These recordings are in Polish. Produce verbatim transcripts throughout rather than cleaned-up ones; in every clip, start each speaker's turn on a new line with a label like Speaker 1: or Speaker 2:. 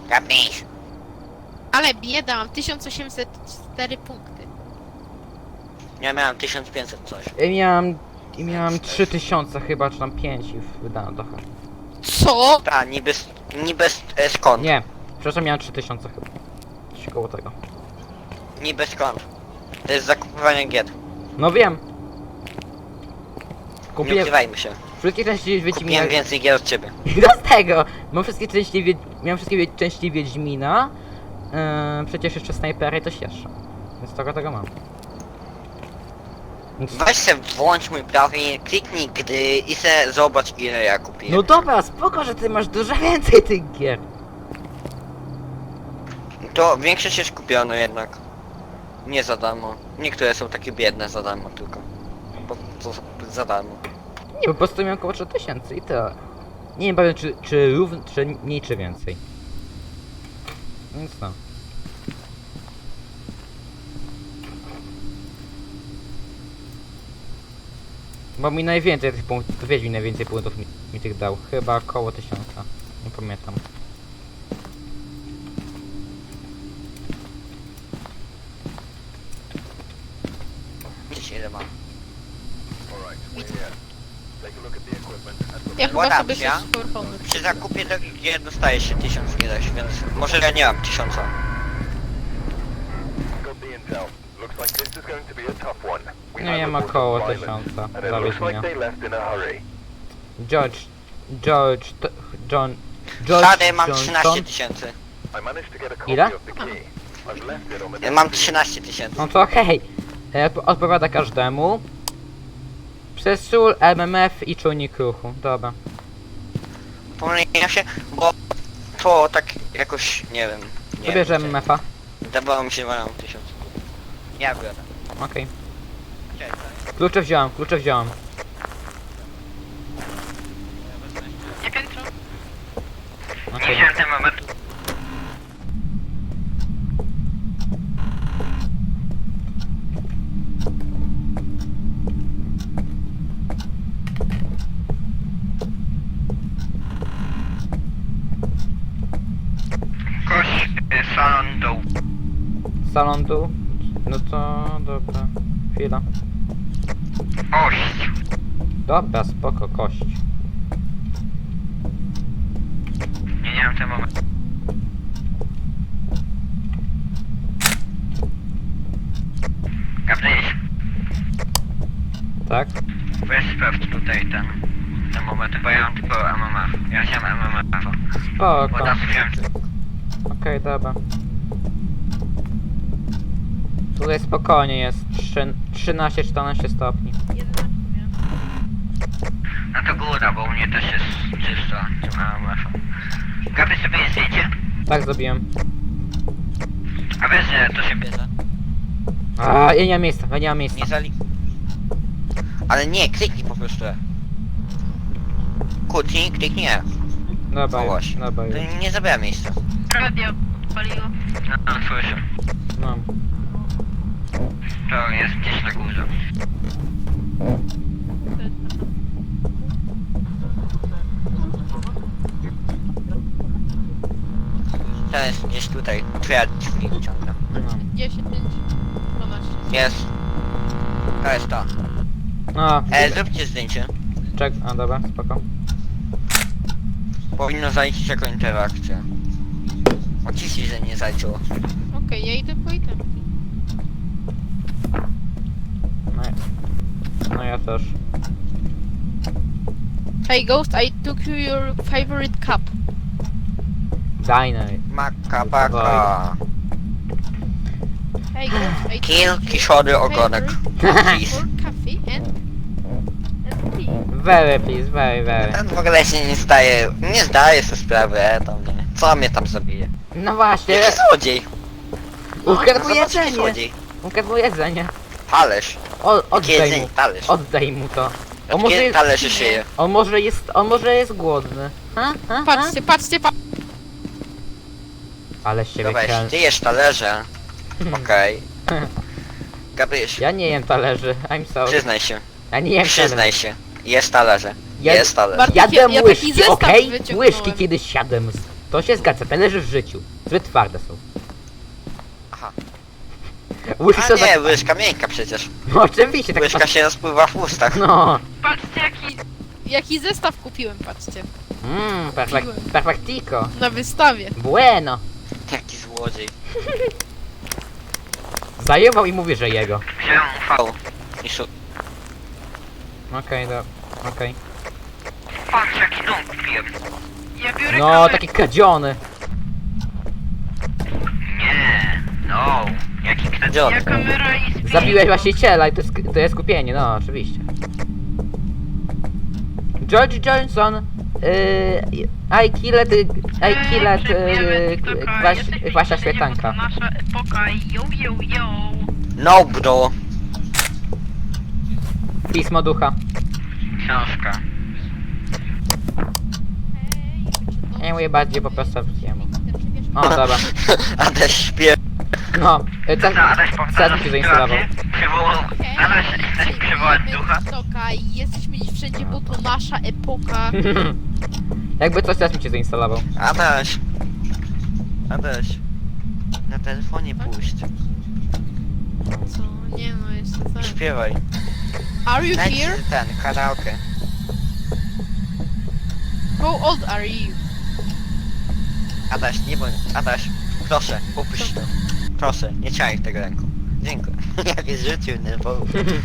Speaker 1: Gapisz.
Speaker 2: Ale bieda, mam tysiąc osiemset cztery punkty.
Speaker 1: Ja miałem tysiąc pięćset coś.
Speaker 3: I miałem... I miałem trzy tysiące chyba, czy tam pięć i wydałem trochę.
Speaker 2: Co?
Speaker 1: Ta, niby, niby e, skąd?
Speaker 3: Nie, przepraszam, miałem trzy tysiące chyba. Coś koło tego.
Speaker 1: Niby skąd? To jest zakupywanie gier.
Speaker 3: No wiem.
Speaker 1: Nie
Speaker 3: Kupiłem
Speaker 1: ukrywajmy się.
Speaker 3: wszystkie części
Speaker 1: Kupiłem
Speaker 3: Wiedźmina.
Speaker 1: więcej gier od ciebie.
Speaker 3: I do tego! Mam wszystkie części Wiedź... Miałem wszystkie wie... części Wiedźmina. Yy, przecież jeszcze snajpery i coś jeszcze. Więc tego tego mam. Więc...
Speaker 1: Weź se włącz mój profil, kliknij gdy i se zobacz ile ja kupiłem.
Speaker 3: No dobra, spoko, że ty masz dużo więcej tych gier.
Speaker 1: To większość jest kupione jednak. Nie za darmo. Niektóre są takie biedne za darmo tylko. Bo to za darmo.
Speaker 3: Nie, po prostu miałem około trzy tysiące i tyle. Nie wiem pewnie czy, czy równo, czy mniej, czy więcej. Więc no. Bo mi najwięcej tych punktów, wiedź mi najwięcej punktów mi, mi tych dał. Chyba około tysiąca. Nie pamiętam.
Speaker 1: Widzicie ile mam.
Speaker 2: Ja chyba
Speaker 1: Ładam
Speaker 2: sobie
Speaker 1: się.
Speaker 2: coś skorpony.
Speaker 1: Przy zakupie takich gier dostaje się tysiąc ileś, więc może ja nie mam tysiąca.
Speaker 3: Nie wiem, około tysiąca. Zawiedź mnie. George... George... To, John... George
Speaker 1: Wtedy mam
Speaker 3: Johnson?
Speaker 1: trzynaście tysięcy.
Speaker 3: Ile?
Speaker 1: Mam trzynaście tysięcy.
Speaker 3: No to okej. E, Odpowiada każdemu. Przez sól, M M F i czujnik ruchu. Dobra.
Speaker 1: Pomyliłem się, bo to tak jakoś, nie wiem. Nie
Speaker 3: To bierze
Speaker 1: wiem,
Speaker 3: M M F-a.
Speaker 1: Wydawało mi się, że mam tysiąc. Ja biorę.
Speaker 3: Okej.
Speaker 1: Cześć.
Speaker 3: Klucze wziąłem, klucze wziąłem.
Speaker 2: Nie piętro.
Speaker 3: Okej.
Speaker 1: wziąłem ten moment. Koś, y, salon dół.
Speaker 3: Salon dół? No to... dobra. Chwila.
Speaker 1: Ość.
Speaker 3: Dobra, spoko, kość.
Speaker 1: Nie, nie mam ten moment. Gabriel,
Speaker 3: Tak?
Speaker 1: weź sprawdź tutaj ten, ten moment, bo ja mam tylko M M F. Ja chciałem M M F.
Speaker 3: Spoko.
Speaker 1: Bo teraz wziąłem
Speaker 3: Okej, dobra. Tutaj spokojnie jest. trzynaście czternaście stopni.
Speaker 2: jedenaście miałem.
Speaker 1: No to góra, bo u mnie też jest czysto, tym M M F. Gabriel sobie je zdjęcie?
Speaker 3: Tak zrobiłem.
Speaker 1: A wiesz, że to się bierze?
Speaker 3: A, ja nie mam miejsca, ja nie mam miejsca.
Speaker 1: Nie zali... Ale nie, kliknij po prostu. Kliknij, kliknij.
Speaker 3: Dobra,
Speaker 1: No
Speaker 3: już,
Speaker 1: właśnie.
Speaker 3: dobra już.
Speaker 1: To nie zabiera miejsca.
Speaker 2: Radio paliło.
Speaker 1: No, no słyszę.
Speaker 3: No.
Speaker 1: To jest gdzieś na górze. To jest gdzieś tutaj. Twoja drzwi wyciągnę.
Speaker 3: No.
Speaker 2: dziesięć, dwanaście.
Speaker 1: Jest. To jest to.
Speaker 3: No,
Speaker 1: E, zróbcie zdjęcie.
Speaker 3: czek, a dobra, spoko.
Speaker 1: Powinno zaliczyć jako interakcję. Oczywiście, że nie zaliczyło.
Speaker 2: Okej, ja idę po itemki.
Speaker 3: No, ja- no ja też.
Speaker 2: Hey Ghost, I took you your favorite cup.
Speaker 3: Dajnej.
Speaker 1: Maka, baka.
Speaker 2: Hey Ghost, I
Speaker 1: Kill,
Speaker 2: took you
Speaker 1: kiszory,
Speaker 2: your
Speaker 1: ogonek.
Speaker 2: favorite
Speaker 1: Please.
Speaker 2: for coffee and... and tea.
Speaker 3: Very please, very, very.
Speaker 1: Ten w ogóle się nie zdaje, nie zdaje sobie sprawy, e, tam nie. Co mnie tam zabije?
Speaker 3: No właśnie,
Speaker 1: Jaki złodziej?
Speaker 3: ukradł mu
Speaker 1: Zobacz, jaki
Speaker 3: jedzenie.
Speaker 1: złodziej.
Speaker 3: Ukradł mu jedzenie.
Speaker 1: Talerz.
Speaker 3: O,
Speaker 1: Jakie
Speaker 3: oddaj
Speaker 1: jedzenie?
Speaker 3: mu.
Speaker 1: Talerz.
Speaker 3: Oddaj mu to. On
Speaker 1: Od
Speaker 3: może,
Speaker 1: kiedy
Speaker 3: jest,
Speaker 1: talerz się szyje?
Speaker 3: on może jest, on może jest głodny. Ha? Ha? Ha?
Speaker 2: Patrzcie, patrzcie, patrzcie.
Speaker 3: Ale z ciebie
Speaker 1: Dobra,
Speaker 3: kral...
Speaker 1: jeśli ty jesz talerze, okej. Gabryś,
Speaker 3: Ja nie jem talerzy, I'm sorry.
Speaker 1: przyznaj się,
Speaker 3: Ja nie jem
Speaker 1: przyznaj
Speaker 3: talerzy.
Speaker 1: się. Jest talerze.
Speaker 3: Ja-
Speaker 1: Jest talerz.
Speaker 2: Bartek,
Speaker 3: Jadłem
Speaker 2: ja- ja taki
Speaker 3: łyżki,
Speaker 2: zestaw
Speaker 3: okej?
Speaker 2: wyciągnąłem.
Speaker 3: Łyżki kiedyś siadłem. To się zgadza, te leży w życiu. Zbyt twarde są.
Speaker 1: Aha.
Speaker 3: Łyżka
Speaker 1: A
Speaker 3: za...
Speaker 1: nie, łyżka miękka przecież.
Speaker 3: No oczywiście, tak
Speaker 1: Łyżka się rozpływa w ustach.
Speaker 3: No.
Speaker 2: Patrzcie jaki, jaki zestaw kupiłem, patrzcie.
Speaker 3: Mmm, perfect, perfectico.
Speaker 2: Na wystawie.
Speaker 3: Bueno.
Speaker 1: Jaki złodziej.
Speaker 3: Zajebał i mówi, że jego.
Speaker 1: Wziąłem V. I szu...
Speaker 3: Okej, do... okej.
Speaker 1: Patrz jaki dom kupiłem.
Speaker 2: Ja biorę
Speaker 3: No,
Speaker 2: kamerę.
Speaker 3: taki kradziony.
Speaker 1: Nie, no. Jaki kradziony.
Speaker 2: Ja kamera i spirit.
Speaker 3: Zabiłeś właściciela i to jest, to jest kupienie, no oczywiście. George Johnson, yy, I killed, I killed, yy, kwaś, Kwasia Świetanka.
Speaker 2: Nasza epoka, yo, yo, yo.
Speaker 1: No bro.
Speaker 3: Pismo ducha.
Speaker 1: Książka.
Speaker 3: Ja mówię bardziej po prostu jemu. O, dobra.
Speaker 1: Adaś śpiewa.
Speaker 3: No, yy, ten, ten mi się zainstalował.
Speaker 1: Adaś, chcesz przywołać ducha?
Speaker 2: Toka i jesteśmy dziś wszędzie, bo to nasza epoka.
Speaker 3: Jakby coś teraz mi się zainstalował.
Speaker 1: Adaś. Adaś. Na telefonie puść.
Speaker 2: Co? Nie no, jeszcze tak.
Speaker 1: Śpiewaj.
Speaker 2: Are you
Speaker 1: Daj
Speaker 2: here?
Speaker 1: ci ten, karaoke.
Speaker 2: How old are you?
Speaker 1: Adaś, nie bądź. Adaś, proszę, upuść to. Proszę, nie ciągnij tego ręką. Dziękuję. Jak jest życiu nerwowo.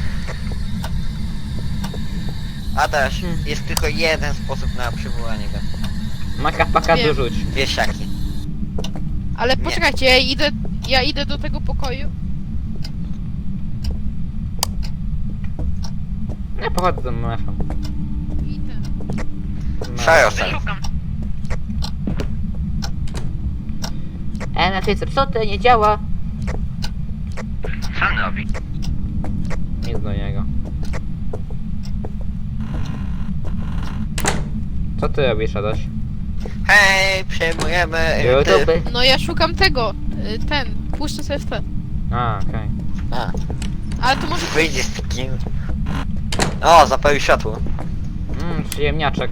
Speaker 1: Adaś, jest tylko jeden sposób na przywołanie go.
Speaker 3: Maka paka
Speaker 2: Wiem.
Speaker 3: dorzuć.
Speaker 1: Wiesiaki.
Speaker 2: Ale
Speaker 1: Nie.
Speaker 2: poczekajcie, ja idę, ja idę do tego pokoju.
Speaker 3: Ja pochodzę z M F-em.
Speaker 2: I ten.
Speaker 1: Szajosem.
Speaker 2: Szukam.
Speaker 3: M F jest zepsute, nie działa.
Speaker 1: Co on robi?
Speaker 3: Nic do niego. Co ty robisz, Adaś?
Speaker 1: Hej, przejmujemy...
Speaker 3: YouTube?
Speaker 2: No ja szukam tego, y, ten, puszczę sobie w ten.
Speaker 3: A, okej.
Speaker 1: A,
Speaker 2: Ale to może...
Speaker 1: wyjdzie z takim... O, zapalił światło.
Speaker 3: Mmm, przyjemniaczek.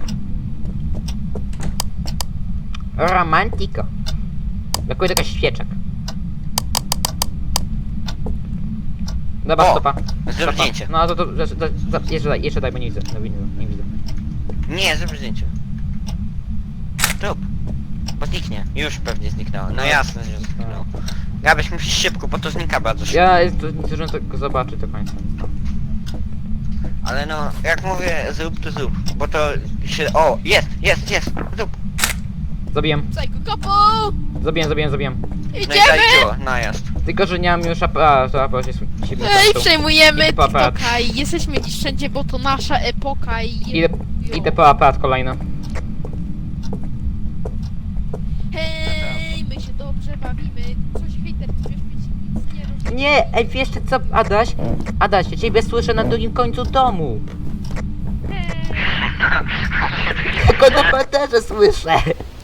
Speaker 3: Romantiko. Brakuje tylko świeczek. Dobra,
Speaker 1: O,
Speaker 3: stopa.
Speaker 1: zrób
Speaker 3: Stopa.
Speaker 1: zdjęcie.
Speaker 3: No to, to, to, to, to jeszcze daj, jeszcze daj, bo nie widzę. No, widzę, nie widzę.
Speaker 1: Nie, zrób zdjęcie. Rób. Bo zniknie. Już pewnie zniknęło. No jasne, że zniknęło. Gabyś musisz szybko, bo to znika bardzo szybko.
Speaker 3: Ja jest, to, nie zdążyłem tego zobaczyć do końca.
Speaker 1: Ale no, jak mówię, zrób to zrób. Bo to się... O, jest, jest, jest. Zrób.
Speaker 3: Zabiłem,
Speaker 2: Psycho couple!
Speaker 3: zabiłem, zabiłem, zabiłem.
Speaker 1: No i
Speaker 2: Idziemy!
Speaker 1: zaliczyło, najazd.
Speaker 3: Tylko, że nie mam już aparatu, to aparat się się
Speaker 2: Ej, przejmujemy
Speaker 3: Idę po aparat.
Speaker 2: TikToka i jesteśmy dziś wszędzie, bo to nasza epoka i...
Speaker 3: Idę, idę po aparat kolejny.
Speaker 2: Hej, my się dobrze bawimy. Coś hejter, coś nic nie robi.
Speaker 3: Nie, ej, wiesz co, Adaś? Adaś, ja ciebie słyszę na drugim końcu domu. Tylko na parterze słyszę.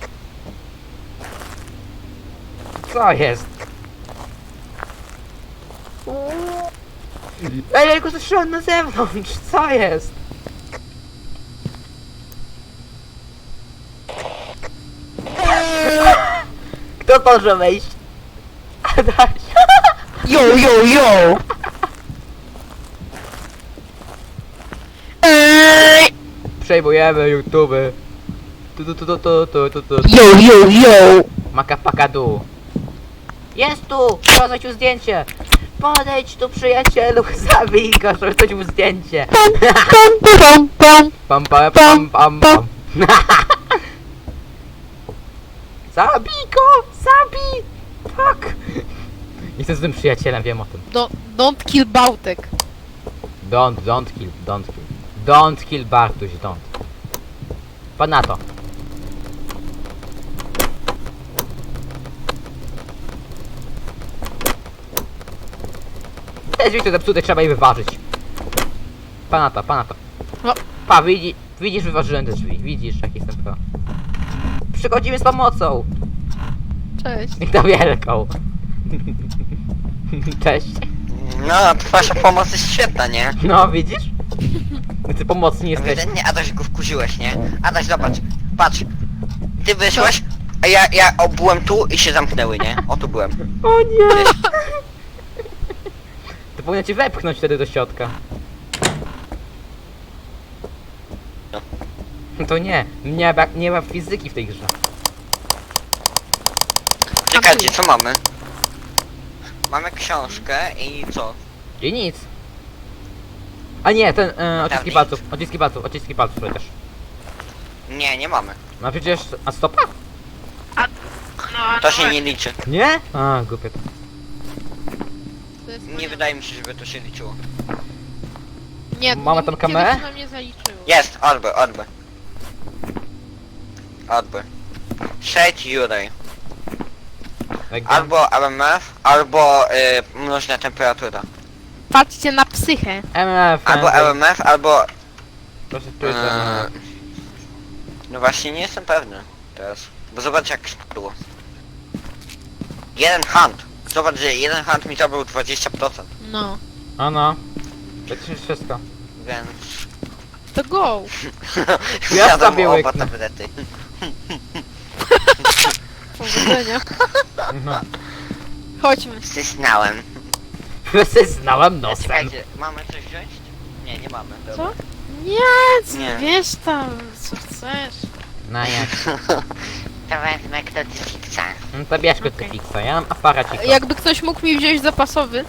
Speaker 3: Co jest? Ej, ja go słyszałem na zewnątrz, co jest? Kto może wejść? Adaś.
Speaker 1: Yo, yo, yo!
Speaker 3: Przejmujemy YouTube. Tu tu tu tu tu tu tu tu.
Speaker 1: Yo, yo, yo!
Speaker 3: Maka paka du. Jest tu! Pokazać mu zdjęcie! Podejdź tu, przyjacielu, zabij go, żeby ktoś mu zdjęcie!
Speaker 1: Pam, pam,
Speaker 3: Pam pam pam pam pam. Zabij go! Zabij! Tak! Jestem z tym przyjacielem, wiem o tym.
Speaker 2: Do, don't kill Bałtek.
Speaker 3: Don't, don't kill, don't kill. Don't kill Bartuś, don't. Pan na to. Te drzwi to zepsute, trzeba je wyważyć. Pana to, pana to.
Speaker 2: No.
Speaker 3: Pa, widzi, widzisz, wyważyłem te drzwi. Widzisz, jak jestem pro. Przychodzimy z pomocą.
Speaker 2: Cześć.
Speaker 3: I to wielką. Cześć.
Speaker 1: No, wasza pomoc jest świetna, nie?
Speaker 3: No, widzisz? Ty pomocni jesteś.
Speaker 1: Ewidentnie Adaś go wkurzyłeś, nie? Adaś, zobacz, patrz. Ty wyszłeś, A ja, ja o, byłem tu i się zamknęły, nie? O, tu byłem.
Speaker 3: O nie! To powinno cię wepchnąć wtedy do środka.
Speaker 1: No.
Speaker 3: To nie, nie ma, nie ma fizyki w tej grze.
Speaker 1: Czekajcie, co mamy? Mamy książkę i co?
Speaker 3: I nic. A nie, ten, e, odciski
Speaker 1: Dawniej.
Speaker 3: palców, odciski palców, odciski palców przecież.
Speaker 1: Nie, nie mamy.
Speaker 3: No przecież, a stopa?
Speaker 2: No,
Speaker 1: To się nie liczy.
Speaker 3: Nie? A, głupie to.
Speaker 2: to jest
Speaker 1: Nie
Speaker 2: moja-
Speaker 1: wydaje mi się, żeby to się liczyło.
Speaker 2: Nie,
Speaker 3: Mama
Speaker 2: mi-
Speaker 3: tam
Speaker 2: kiedyś
Speaker 3: kamerę?
Speaker 2: na mnie zaliczyło.
Speaker 1: Jest, odby, odby. Odby. Sześć Juraj.
Speaker 3: Jak
Speaker 1: Albo M M F, albo y, mnożna temperatura.
Speaker 2: Patrzcie na psychę.
Speaker 3: M F,
Speaker 1: Albo M M F, albo...
Speaker 3: Proszę tu jest M
Speaker 1: Yy,
Speaker 3: F.
Speaker 1: no właśnie nie jestem pewny teraz. Bo zobacz jak spadło. Jeden hunt. Zobacz, że jeden hunt mi zabrał dwadzieścia procent.
Speaker 2: No.
Speaker 3: A no. Przecież wszystko.
Speaker 1: Więc...
Speaker 2: To go.
Speaker 3: Ja
Speaker 1: Zjadłem
Speaker 3: sobie
Speaker 1: oba
Speaker 3: łyknę.
Speaker 1: tablety.
Speaker 2: Powodzenia.
Speaker 3: No.
Speaker 2: Chodźmy.
Speaker 1: Stysnąłem.
Speaker 3: Znałem nosem.
Speaker 1: Czekajcie, mamy coś wziąć? Nie, nie mamy. Dobra.
Speaker 2: Co? Nie, co,
Speaker 1: Nie.
Speaker 2: wiesz tam, co chcesz.
Speaker 3: No jak?
Speaker 1: To wezmę krucyfiksa.
Speaker 3: No to bierz
Speaker 2: Okej.
Speaker 3: krucyfiksa, ja mam aparacik.
Speaker 2: Jakby ktoś mógł mi wziąć zapasowy.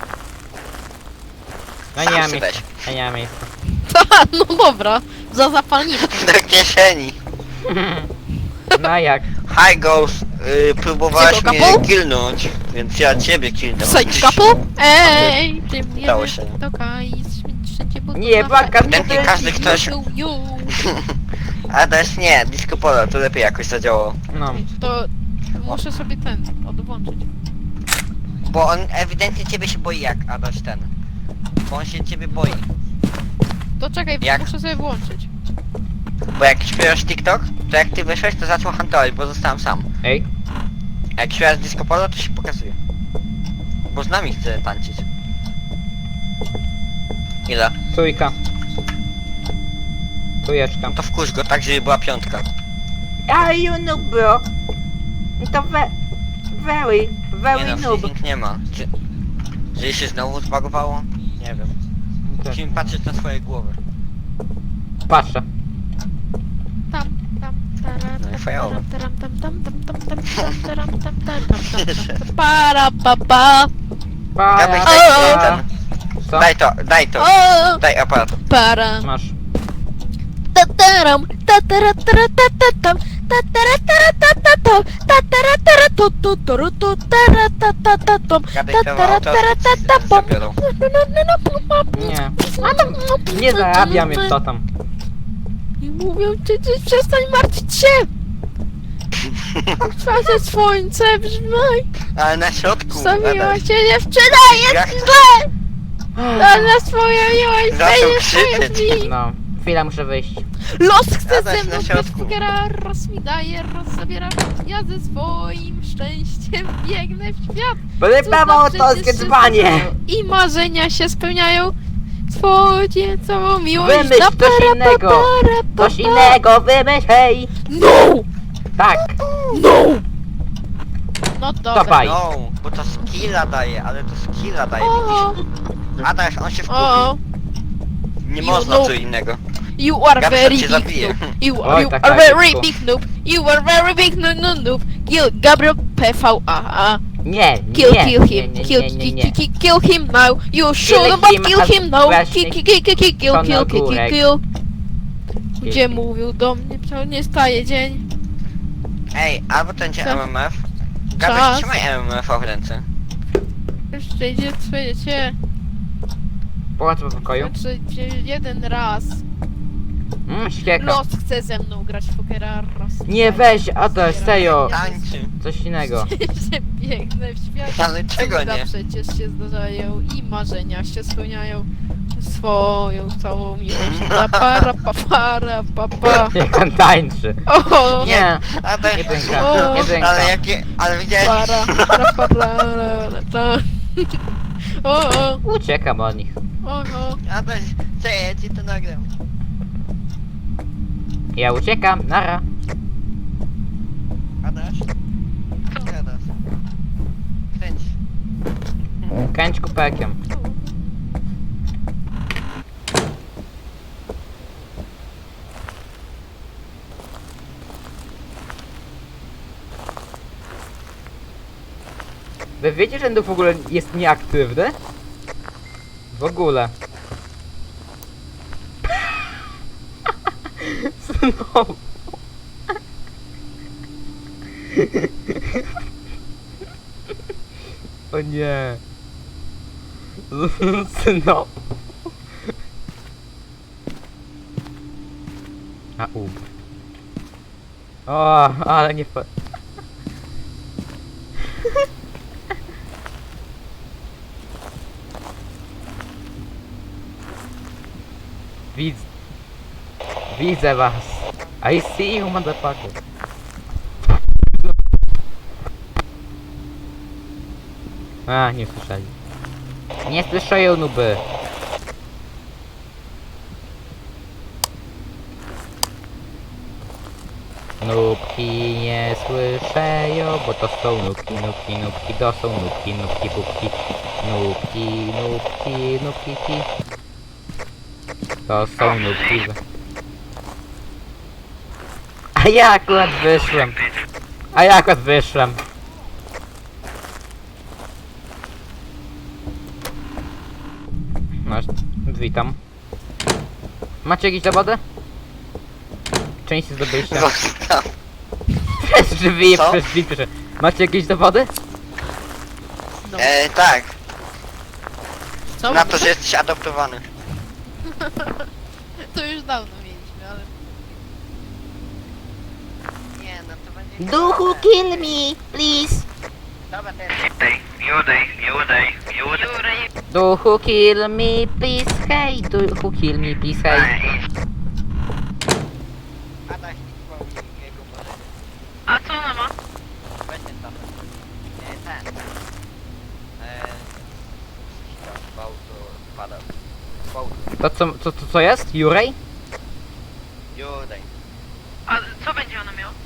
Speaker 3: No
Speaker 1: Sam
Speaker 3: nie mam
Speaker 1: sobie
Speaker 3: miejsca. Ja nie mam miejsca.
Speaker 2: No dobra, za zapalniczkę.
Speaker 1: Do kieszeni.
Speaker 3: No jak?
Speaker 1: Hi Ghost, yy, próbowałeś
Speaker 2: Psycho
Speaker 1: mnie
Speaker 2: couple?
Speaker 1: killnąć, więc ja ciebie killnąłem.
Speaker 2: Side couple? Ej, czym
Speaker 1: Udało
Speaker 2: jedziesz
Speaker 1: się.
Speaker 2: do Kaj, wszędzie buty
Speaker 3: Nie,
Speaker 2: na
Speaker 3: baka,
Speaker 2: fajnie.
Speaker 1: Ewidentnie każdy ktoś-
Speaker 2: Ju, ju.
Speaker 1: A też nie, Disco Polo, to lepiej jakoś zadziałało.
Speaker 3: No.
Speaker 2: To muszę sobie ten odłączyć.
Speaker 1: Bo on ewidentnie ciebie się boi jak Adaś ten. Bo on się ciebie boi.
Speaker 2: To czekaj,
Speaker 1: Jak?
Speaker 2: muszę sobie włączyć.
Speaker 1: Bo jak śpiewasz TikTok, to jak ty wyszłeś, to zaczął huntować, bo zostałem sam.
Speaker 3: Ej,
Speaker 1: A jak śpiewasz Disco Polo, to się pokazuje. Bo z nami chce tańczyć. Ile?
Speaker 3: trójka. Trójeczka.
Speaker 1: To wkurz go tak, żeby była piątka.
Speaker 3: A you noob, bro. To ve... Very,
Speaker 1: Nie
Speaker 3: very
Speaker 1: no,
Speaker 3: noob.
Speaker 1: freezing nie ma. Czy... Że się znowu zbagowało? Nie wiem. Musimy patrzeć na swoje głowy.
Speaker 3: Patrzę.
Speaker 2: Tam, tam, tara,
Speaker 1: No i
Speaker 2: tam,
Speaker 1: fajowo.
Speaker 2: taram, tam, tam, tam, tam, tam, tam, taram, tam, tam, tam, tam, tam, para, pa, pa.
Speaker 1: Gabryś,
Speaker 3: Pa,
Speaker 1: daj
Speaker 2: O!
Speaker 1: ten.
Speaker 3: Co?
Speaker 1: Daj to, daj to.
Speaker 2: O,
Speaker 1: Daj aparat.
Speaker 2: para.
Speaker 3: Masz.
Speaker 2: Tataram, tatara, tara, tatatam, tatara, tara, tatatam, tatara, tara, tu, tu, turu, tu, tara, tatatam,
Speaker 1: Gabryś, to
Speaker 2: tatara,
Speaker 1: auto
Speaker 2: tara, tatatam.
Speaker 1: zabiorą.
Speaker 3: Nie. Nie zarabiam mnie co tam.
Speaker 2: I mówią, ty, ty przestań martwić się! Twarze słońce brzmaj!
Speaker 1: Ale na środku,
Speaker 2: Zabiła
Speaker 1: Adaś.
Speaker 2: cię dziewczyna,
Speaker 1: Jak-
Speaker 2: jest źle! Na swoją miłość
Speaker 1: Zaczął
Speaker 2: będzie swoje
Speaker 1: krzyczeć.
Speaker 2: drzwi!
Speaker 3: No. Chwila, muszę wyjść.
Speaker 2: Los chce
Speaker 1: Adaś
Speaker 2: ze mną
Speaker 1: na
Speaker 2: być
Speaker 1: środku.
Speaker 2: figera, roz mi daje, roz zabiera. Ja ze swoim szczęściem biegnę w świat.
Speaker 3: Wypawał
Speaker 2: Cudna
Speaker 3: autorskie
Speaker 2: przecież
Speaker 3: dzbanie!
Speaker 2: się I marzenia się spełniają. Twoje całą miłość
Speaker 3: Wymyśl
Speaker 2: da
Speaker 3: coś
Speaker 2: para,
Speaker 3: innego.
Speaker 2: pa, para, pa,
Speaker 3: Coś
Speaker 2: pa.
Speaker 3: innego, wymyśl, hej!
Speaker 2: No!
Speaker 3: Tak.
Speaker 2: No! No dobra.
Speaker 3: Dawaj.
Speaker 1: No, bo to skilla daje, ale to skilla daje,
Speaker 2: O,
Speaker 1: widzisz? Adaś, on się
Speaker 2: o,
Speaker 1: wkurzy. Nie
Speaker 2: You
Speaker 1: można
Speaker 2: noob.
Speaker 1: co innego.
Speaker 2: you are
Speaker 1: Gabryś
Speaker 2: very
Speaker 1: cię
Speaker 2: big
Speaker 1: zabije.
Speaker 2: noob. You,
Speaker 3: Oj,
Speaker 2: you
Speaker 3: tak,
Speaker 2: are
Speaker 3: tak,
Speaker 2: very
Speaker 3: szybko.
Speaker 2: big noob. You are very big noob, noob, noob. Kill Gabriel P V A.
Speaker 3: Nie,
Speaker 2: Kill,
Speaker 3: nie,
Speaker 2: kill
Speaker 3: nie,
Speaker 2: him.
Speaker 3: nie,
Speaker 2: Kill,
Speaker 3: nie, nie,
Speaker 2: kill,
Speaker 3: nie.
Speaker 2: kill, kill him now. You should but
Speaker 3: him
Speaker 2: kill
Speaker 3: as
Speaker 2: him now.
Speaker 3: właśnie
Speaker 2: Kill, kill, kill, kill, kill,
Speaker 3: to
Speaker 2: kill,
Speaker 3: na
Speaker 2: kill, kill,
Speaker 3: górek.
Speaker 2: kill. Gdzie
Speaker 3: him.
Speaker 2: mówił do mnie, to nie staje dzień.
Speaker 1: Ej, albo ten cię
Speaker 2: Co?
Speaker 1: M M F.
Speaker 2: Czas.
Speaker 1: Gabryś, trzymaj M M F w ręce.
Speaker 2: Jeszcze idzie twoje cię.
Speaker 3: Połacz po pokoju.
Speaker 2: Jeszcze idzie jeden raz.
Speaker 3: Mmm, ścieka.
Speaker 2: Los chce ze mną grać w pokera. Raz.
Speaker 3: Nie weź, Adaś, serio.
Speaker 1: Tańczy.
Speaker 3: Coś innego.
Speaker 2: Że biegnę w świat.
Speaker 1: Ale czego
Speaker 2: Cuda
Speaker 1: nie?
Speaker 2: przecież się zdarzają i marzenia się spełniają. Swoją całą miłość. Pa, para, pa, para, pa, pa.
Speaker 3: Niech on tańczy.
Speaker 2: O,
Speaker 3: Nie,
Speaker 1: Adaś,
Speaker 3: nie pęka,
Speaker 2: O.
Speaker 3: nie pęka.
Speaker 1: ale jakie, ale widziałeś?
Speaker 2: para, para, para, para. O, o,
Speaker 3: Uciekam od nich.
Speaker 2: o, o.
Speaker 1: Adaś, co ja ci to nagram?
Speaker 3: Ja uciekam, nara.
Speaker 1: Adaś?
Speaker 3: pekiem. Wy wiecie, że to w ogóle jest nieaktywny? W ogóle. Znowu. O nie. Znowu. A ub. O, ale nie fa... Widz... Widzę was. I see you, motherfucker. A, nie słyszeli. Nie słyszają nuby. Nubki nie słyszeją, bo to są nubki, nubki, nubki, to są nubki, nubki, pupki. Nubki, nubki, nubki, ki. To są nubki. A ja akurat wyszłem. A ja akurat wyszłem. No, witam. Macie jakieś dowody? Część zdobyliście.
Speaker 1: Zostaw.
Speaker 3: Przez drzwi,
Speaker 1: Co?
Speaker 3: przez drzwi, proszę. Macie jakieś dowody?
Speaker 2: No.
Speaker 1: E, tak,
Speaker 2: Co?
Speaker 1: na to, że jesteś adoptowany.
Speaker 2: To już dawno mieliśmy, ale...
Speaker 1: Nie, no to będzie...
Speaker 3: Duchu, kill me, please.
Speaker 1: Dobra, teraz. Judej, Judej, Judej.
Speaker 3: Duchu, kill me, please, hej. Duchu, kill me, please, hej.
Speaker 1: Adaś mi jego pożyczkę.
Speaker 4: A co ona ma?
Speaker 1: Będzie tam. E, ten. E, tam gwałtu spada. Gwałtu.
Speaker 3: To co, co, co, co jest? Jurej?
Speaker 1: Judej.
Speaker 4: A co będzie ona miała?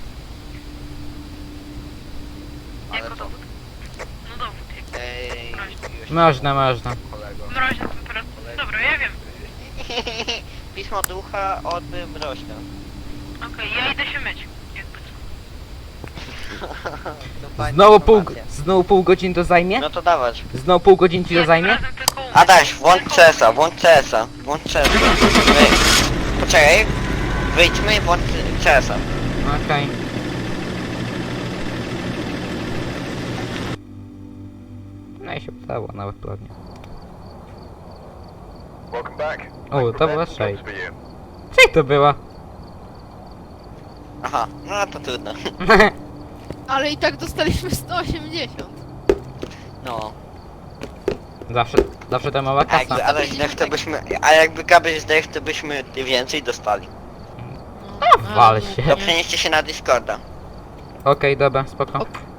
Speaker 1: Ale
Speaker 4: Jako
Speaker 1: to...
Speaker 4: dowód? No dowód, jak
Speaker 1: Ej, już
Speaker 3: Można, można.
Speaker 1: kolego.
Speaker 4: mroźna temperatura. Dobra, ja wiem.
Speaker 1: Pismo ducha od mroźka.
Speaker 4: Okej, ja idę się myć. Jakby co.
Speaker 1: To fajna
Speaker 3: Znowu pół,
Speaker 1: informacja.
Speaker 3: znowu pół godziny to zajmie?
Speaker 1: No to dawać.
Speaker 3: Znowu pół godziny ci to
Speaker 4: Nie,
Speaker 3: zajmie?
Speaker 4: razem tylko umyć.
Speaker 1: Adaś, włącz
Speaker 4: Tylko
Speaker 1: C S a, włącz C S a, włącz C S a. Wy... Poczekaj, wyjdźmy i włącz C S a.
Speaker 3: Okej. No i się udało nawet ładnie.
Speaker 5: Welcome back.
Speaker 3: O, to była
Speaker 5: Prevent
Speaker 3: shade.
Speaker 5: for you.
Speaker 3: Co to była?
Speaker 1: Aha, no to trudno.
Speaker 2: Ale i tak dostaliśmy sto osiemdziesiąt.
Speaker 1: No.
Speaker 3: Zawsze, zawsze ta mała
Speaker 1: A jakby
Speaker 3: kasa.
Speaker 1: Adaś zdech, to byśmy... A jakby Gabyś zdech, to byśmy więcej dostali.
Speaker 2: No,
Speaker 3: wal
Speaker 2: ale
Speaker 3: się.
Speaker 1: To przenieście się na Discorda.
Speaker 3: Okej, dobra, spoko.
Speaker 2: Ok.